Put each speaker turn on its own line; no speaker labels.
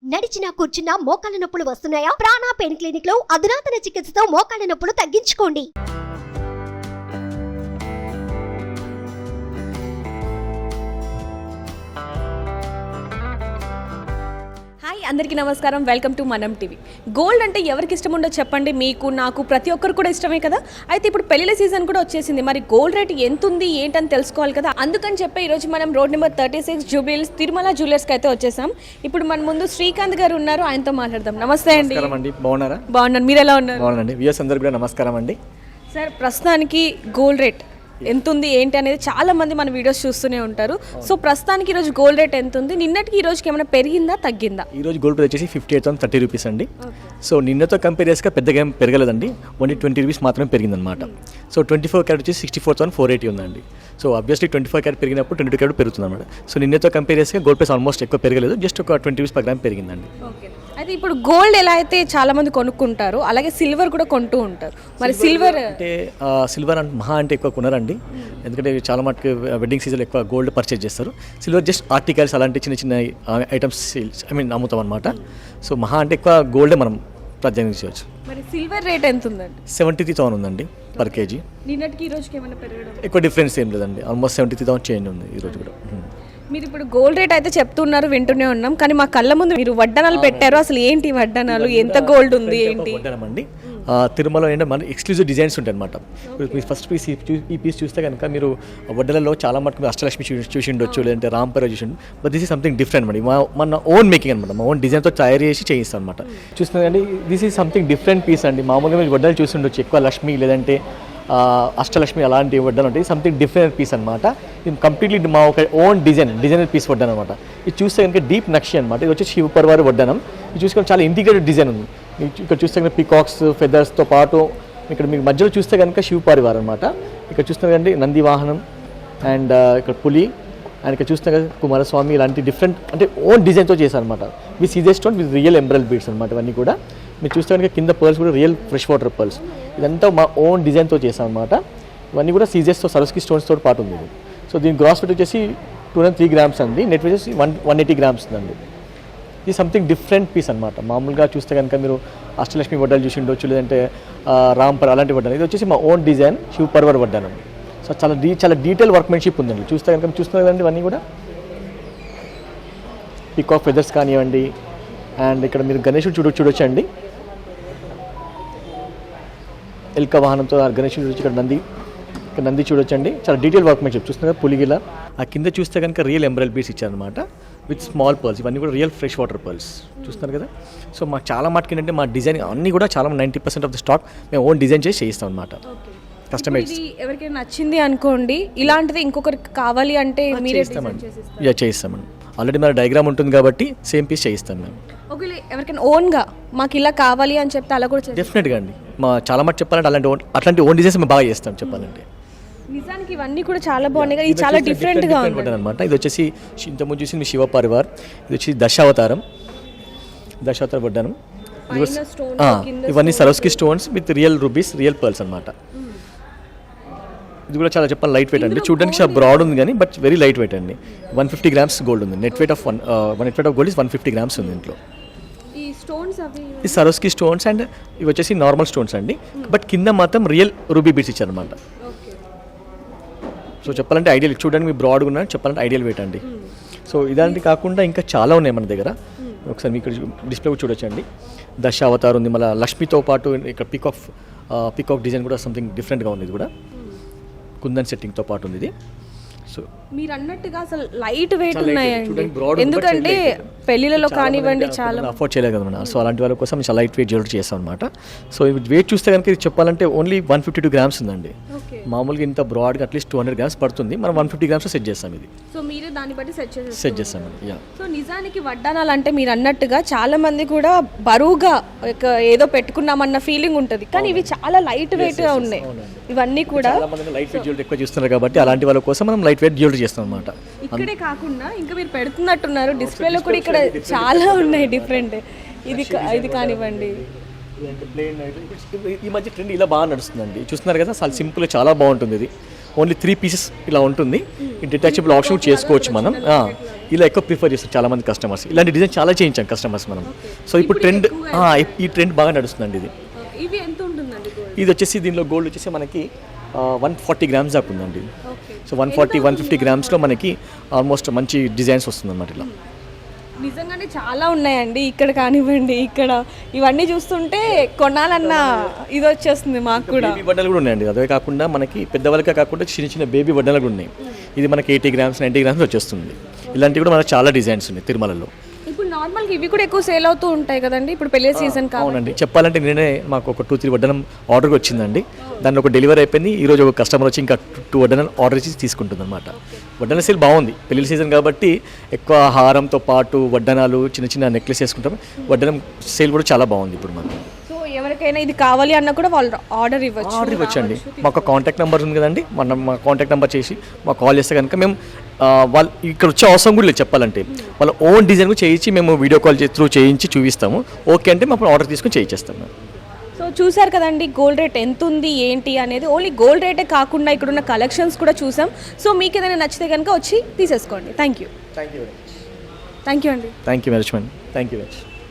నడిచినా కూర్చున్నా మోకాళ్ళ నొప్పులు వస్తున్నాయా? ప్రాణ పెయిన్ క్లినిక్ లో అధునాతన చికిత్సతో మోకాళ్ళ నొప్పులు తగ్గించుకోండి.
హాయ్ అందరికీ నమస్కారం, వెల్కమ్ టు మనం టీవీ. గోల్డ్ అంటే ఎవరికి ఇష్టం ఉండో చెప్పండి, మీకు నాకు ప్రతి ఒక్కరు కూడా ఇష్టమే కదా. అయితే ఇప్పుడు పెళ్లిల సీజన్ కూడా వచ్చేసింది, మరి గోల్డ్ రేట్ ఎంత ఉంది ఏంటని తెలుసుకోవాలి కదా. అందుకని చెప్పి ఈరోజు మనం రోడ్ నెంబర్ 36 జూబ్లీహిల్స్ తిరుమల జ్యువెలర్స్కి అయితే వచ్చేసాం. ఇప్పుడు మన ముందు శ్రీకాంత్ గారు ఉన్నారు, ఆయనతో మాట్లాడదాం. నమస్తే అండి.
బాగున్నారా?
బాగున్నాను, మీరు ఎలా ఉన్నారు?
బాగున్నాండి. వ్యూయర్స్ అందరికీ కూడా నమస్కారం అండి.
సార్, ప్రస్తుతానికి గోల్డ్ రేట్ ఎంత ఉంది ఏంటి అనేది చాలా మంది మన వీడియోస్ చూస్తూనే ఉంటారు. సో ప్రస్తుతానికి ఈరోజు గోల్డ్ రేట్ ఎంత ఉంది, నిన్నటికి ఈ రోజుకి ఏమైనా పెరిగిందా తగ్గిందా?
ఈ రోజు గోల్డ్ రేట్ వచ్చేసి 58,030 రూపీస్ అండి. సో నిన్నతో కంపేర్ చేస్తే పెద్దగా ఏం పెరగలేదండి, ఓన్లీ 20 రూపీస్ మాత్రమే పెరిగిందనమాట. సో 24 క్యారెట్ వచ్చి 64,480 ఉందండి. సో ఆబ్వియస్లీ 24 క్యారెట్ పెరిగినప్పుడు 22 క్యారెట్ పెరుగుతుంది అనమాట. సో నిన్నతో కంపేర్ చేస్తే గోల్డ్ ప్రైస్ ఆల్మోస్ట్ ఎక్కువ పెరగలేదు, జస్ట్ ఒక 20 రూపీస్ పర్ గ్రామ్ పెరిగిందండి.
అయితే ఇప్పుడు గోల్డ్ ఎలా అయితే చాలా మంది కొనుక్కుంటారు, అలాగే సిల్వర్ కూడా కొంటూ ఉంటారు. మరి సిల్వర్
అంటే సిల్వర్ అంటే మహా అంటే ఎక్కువ కొనరండి, ఎందుకంటే చాలా మటుకు వెడ్డింగ్ సీజన్ ఎక్కువ గోల్డ్ పర్చేజ్ చేస్తారు. సిల్వర్ జస్ట్ ఆర్టికల్స్ అలాంటి చిన్న చిన్న ఐటమ్స్ అమ్ముతాం అనమాట. సో మహా అంటే ఎక్కువ గోల్డే మనం ప్రాధాన్యత చేయవచ్చు.
మరి సిల్వర్ రేట్ ఎంత ఉందండి?
73,000 ఉందండి పర్ కేజీ.
నిన్నటికి ఈ రోజుకి ఏమైనా పెరగడం?
ఎక్కువ డిఫరెన్స్ ఏం లేదండి, ఆల్మోస్ట్ 73,000 చేంజ్ ఉంది ఈ రోజు కూడా.
మీరు ఇప్పుడు గోల్డ్ రేట్ అయితే చెప్తున్నారు, వింటూనే ఉన్నాం, కానీ మా కళ్ళ ముందు మీరు వడ్డనాలు పెట్టారు. అసలు ఏంటి వడ్డనాలు, ఎంత గోల్డ్ ఉంది ఏంటి?
వడ్డనం అండి, తిరుమల ఏంటంటే మన ఎక్స్క్లూజివ్ డిజైన్స్ ఉంటాయి అనమాట. మీరు ఫస్ట్ పీస్ ఈ పీస్ చూస్తే కనుక మీరు వడ్డలలో చాలా మటుకు అష్టలక్ష్మి చూసి ఉండొచ్చు, లేదంటే రాంపర చూసి ఉండొచ్చు. But this is something different అండి, మన ఓన్ మేకింగ్ అనమాట, మా ఓన్ డిజైన్తో తయారు చేసి చేయిస్తాం అనమాట. చూస్తున్నారండి, this is something different piece అండి. మామూలుగా మీరు వడ్డలు చూసి ఉండొచ్చు, ఎక్కువ లక్ష్మి లేదంటే అష్టలక్ష్మి అలాంటి వడ్డలు ఉంటాయి. సంథింగ్ డిఫరెంట్ పీస్ అనమాట. ఇది కంప్లీట్లీ మా ఒక ఓన్ డిజైనర్ పీస్ వడ్డాను అనమాట. ఇది చూస్తే కనుక డీప్ నక్షి అనమాట. ఇది వచ్చి శివపర్వారి వడ్డానం. ఇది చూసుకొని చాలా ఇంటిగ్రేటెడ్ డిజైన్ ఉంది. ఇక్కడ చూస్తే కనుక పికాక్స్ ఫెదర్స్తో పాటు ఇక్కడ మీకు మధ్యలో చూస్తే కనుక శివపరివార్ అనమాట. ఇక్కడ చూస్తే కండి నంది వాహనం అండ్ ఇక్కడ పులి అండ్ ఇక్కడ చూస్తే కనుక కుమారస్వామి ఇలాంటి డిఫరెంట్ అంటే ఓన్ డిజైన్తో చేశారు అనమాట. With caesar stone with real ఎంబ్రల్ బీడ్స్ అనమాట. ఇవన్నీ కూడా మీరు చూస్తే కనుక కింద పర్ల్స్ కూడా రియల్ ఫ్రెష్ వాటర్ పర్ల్స్. ఇదంతా మా ఓన్ డిజైన్తో చేసాం అనమాట. ఇవన్నీ కూడా సీజర్స్తో సరస్కి స్టోన్స్తో పాటు ఉంది. సో దీని గ్రాస్ వెయిట్ వచ్చేసి 203 గ్రామ్స్ అండి, నెట్ వెయిట్ వచ్చేసి 180 గ్రామ్స్ ఉందండి. ఇది సంథింగ్ డిఫరెంట్ పీస్ అనమాట. మామూలుగా చూస్తే కనుక మీరు అష్టలక్ష్మి వడ్డాలు చూసి ఉండొచ్చు, లేదంటే రాంపర్ అలాంటి వడ్డాను. ఇది వచ్చేసి మా ఓన్ డిజైన్ శివపర్వర్ వడ్డానం. సో చాలా డీటెయిల్ వర్క్మెన్షిప్ ఉందండి. చూస్తే కనుక చూస్తున్నారు కదండి, ఇవన్నీ కూడా పికాక్ ఫెదర్స్ కానివ్వండి. అండ్ ఇక్కడ మీరు గణేశుడు చూడొచ్చు అండి, ఎల్క వాహనంతో గణేశుడు చూడొచ్చు. ఇక్కడ నంది చూడొచ్చు అండి, చాలా డీటెయిల్ వర్క్మెన్షిప్. చూస్తున్నారు పులిగిల ఆ కింద చూస్తే కనుక రియల్ ఎంబ్రాయిడరీ బీడ్స్ ఇచ్చారనమాట విత్ స్మాల్ పర్ల్స్. ఇవన్నీ కూడా రియల్ ఫ్రెష్ వాటర్ పర్ల్స్ చూస్తున్నారు కదా. సో మాకు చాలా మటుకు ఏంటంటే మా డిజైన్ అన్నీ కూడా చాలా 90% ఆఫ్ ద స్టాక్ మేము ఓన్ డిజైన్ చేసి చేయిస్తాం అనమాట. కస్టమైజ్
ఎవరికైనా నచ్చింది అనుకోండి, ఇలాంటిది ఇంకొకరికి కావాలి అంటే మీరే
చేయిస్తామండి. ఆల్రెడీ మన డయాగ్రామ్ ఉంటుంది కాబట్టి సేమ్ పీస్ చేయిస్తాం మేము.
ఒకవేళ ఎవరికైనా ఓన్గా మాకు ఇలా కావాలి అని చెప్తే అలా కూడా
డెఫినెట్గా అండి. మా చాలా మటు చెప్పాలంటే అట్లాంటి ఓన్ డిజైన్స్ మేము బాగా చేస్తాం చెప్పాలంటే.
నిజానికి ఇవన్నీ కూడా చాలా బాగున్నాయి కదా, ఇది చాలా డిఫరెంట్గా ఉంటుంది
అనమాట. ఇది వచ్చేసి ఇంతకుముందు చూసి మీ శివపరివార్, ఇది వచ్చి దశావతార వడ్డానం. ఇవన్నీ Swarovski stones with real rubies real pearls అనమాట. ఇది కూడా చాలా చెప్పాలి లైట్ వెయిట్ అండి. చూడడానికి చాలా బ్రాడ్ ఉంది కానీ బట్ వెరీ లైట్ వెయిట్ అండి. 150 గ్రామ్స్ గోల్డ్ ఉంది. Net weight of gold is 150 grams ఉంది ఇంట్లో. ఈ సరోస్కి స్టోన్స్ అండ్ ఇవి వచ్చేసి నార్మల్ స్టోన్స్ అండి, బట్ కింద మాత్రం రియల్ రూబీ బీడ్స్ ఇచ్చారనమాట. సో చెప్పాలంటే ఐడియల్, చూడడానికి మీ బ్రాడ్గా ఉన్న చెప్పాలంటే ఐడియల్ వెయిట్ అండి. సో ఇలాంటి కాకుండా ఇంకా చాలా ఉన్నాయి మన దగ్గర. ఒకసారి మీకు డిస్ప్లే కూడా చూడొచ్చండి. దశావతార్ ఉంది, మళ్ళీ లక్ష్మితో పాటు ఇక్కడ పికాక్ డిజైన్ కూడా సంథింగ్ డిఫరెంట్గా ఉంది. ఇది కూడా కుందన్ సెట్టింగ్తో పాటు ఉంది ఇది. సో
మీరు అన్నట్టుగా అసలు లైట్ వెయిట్ ఉన్నాయండి, ఎందుకంటే పెళ్లిలలో కానివ్వండి చాలా
అఫోర్డ్ చేయలేదు కదా మనం. సో అలాంటి వాళ్ళ కోసం చాలా లైట్ వెయిట్ జ్యువెలరీ చేస్తాం అనమాట. సో వెయిట్ చూస్తే కనుక ఇది చెప్పాలంటే ఓన్లీ 152 గ్రామ్స్ ఉందండి. మామూలుగా ఇంత బ్రాడ్గా అట్లీస్ట్ 200 గ్రామ్స్ పడుతుంది, మనం 150 గ్రామ్స్ సెట్ చేస్తాం. ఇది
సో మీరే దాన్ని బట్టి సెట్ చేస్తామండి.
సో
నిజానికి వడ్డానాలు అంటే మీరు అన్నట్టుగా చాలా మంది కూడా బరువుగా ఏదో పెట్టుకున్నామన్న ఫీలింగ్ ఉంటుంది, కానీ ఇవి చాలా లైట్ వెయిట్ గా ఉన్నాయి. ఇవన్నీ కూడా
లైట్ వెయిట్ జ్యువెలరీ ఎక్కువ చూస్తున్నారు కాబట్టి అలాంటి వాళ్ళ కోసం మనం లైట్ వెయిట్ జ్యువెలరీ చేస్తాం అనమాట.
ఇక్కడే కాకుండా ఇంకా మీరు పెడుతున్నట్టున్నారు డిస్ప్లేలో కూడా, ఇక్కడ చాలా ఉన్నాయి డిఫరెంట్. ఇది కానివ్వండి,
ఈ మధ్య ట్రెండ్ ఇలా బాగా నడుస్తుందండి. చూస్తున్నారు కదా, చాలా సింపుల్ చాలా బాగుంటుంది. ఇది ఓన్లీ 3 పీసెస్ ఇలా ఉంటుంది. డిటాచబుల్ ఆప్షన్ చేసుకోవచ్చు మనం. ఇలా ఎక్కువ ప్రిఫర్ చేస్తారు చాలా మంది కస్టమర్స్. ఇలాంటి డిజైన్ చాలా చేయించాం కస్టమర్స్ మనం. సో ఇప్పుడు ట్రెండ్ ఈ ట్రెండ్ బాగా నడుస్తుందండి ఇది.
ఇవి ఎంత ఉంటుందండి గోల్డ్?
ఇది వచ్చేసి దీనిలో గోల్డ్ వచ్చేసి మనకి 140 గ్రామ్స్ దాకా ఉందండి. సో 140-150 గ్రామ్స్లో మనకి ఆల్మోస్ట్ మంచి డిజైన్స్ వస్తుందన్నమాట ఇలా.
నిజంగానే చాలా ఉన్నాయండి ఇక్కడ కానివ్వండి, ఇక్కడ ఇవన్నీ చూస్తుంటే కొనాలన్న ఇది వచ్చేస్తుంది మాకు కూడా.
బేబీ వడ్డలు కూడా ఉన్నాయండి. అదే కాకుండా మనకి పెద్దవాళ్ళకే కాకుండా చిన్న చిన్న బేబీ వడ్డలు కూడా ఉన్నాయి. ఇది మనకి 80 గ్రామ్స్ 90 గ్రామ్స్ వచ్చేస్తుంది. ఇలాంటివి కూడా మనకు చాలా డిజైన్స్ ఉన్నాయి తిరుమలలో.
ఇప్పుడు నార్మల్గా ఇవి కూడా ఎక్కువ సేల్ అవుతూ ఉంటాయి కదండి ఇప్పుడు పెళ్లి సీజన్ కాబట్టి.
అవునండి, చెప్పాలంటే నేనే మాకు ఒక 2-3 వడ్డనం ఆర్డర్ వచ్చిందండి. దాన్ని ఒక డెలివరీ అయిపోయింది. ఈరోజు ఒక కస్టమర్ వచ్చి ఇంకా 2 వడ్డనం ఆర్డర్ ఇచ్చి తీసుకుంటుంది అనమాట. వడ్డన సేల్ బాగుంది, పెళ్లి సీజన్ కాబట్టి ఎక్కువ హారంతో పాటు వడ్డనాలు చిన్న చిన్న నెక్లెస్ వేసుకుంటాం. వడ్డనం సేల్ కూడా చాలా బాగుంది ఇప్పుడు మనకు.
సో ఎవరికైనా ఇది కావాలి అన్న కూడా వాళ్ళు ఆర్డర్
ఇవ్వచ్చండి. మాకు కాంటాక్ట్ నెంబర్ ఉంది కదండి, మా కాంటాక్ట్ నెంబర్ చేసి మాకు కాల్ చేస్తే కనుక మేము వాళ్ళు ఇక్కడ వచ్చే అవసరం కూడా లేదు చెప్పాలంటే. వాళ్ళ ఓన్ డిజైన్ కూడా చేయించి మేము వీడియో కాల్ త్రూ చేయించి చూపిస్తాము. ఓకే అంటే మేము ఆర్డర్ తీసుకొని చేయించేస్తాం మేము.
సో చూసారు కదండి గోల్డ్ రేట్ ఎంత ఉంది ఏంటి అనేది. ఓన్లీ గోల్డ్ రేటే కాకుండా ఇక్కడ ఉన్న కలెక్షన్స్ కూడా చూసాం. సో మీకు ఏదైనా నచ్చితే కనుక వచ్చి తీసేసుకోండి. Thank you.
Thank you
thank you అండి.
Thank you very much.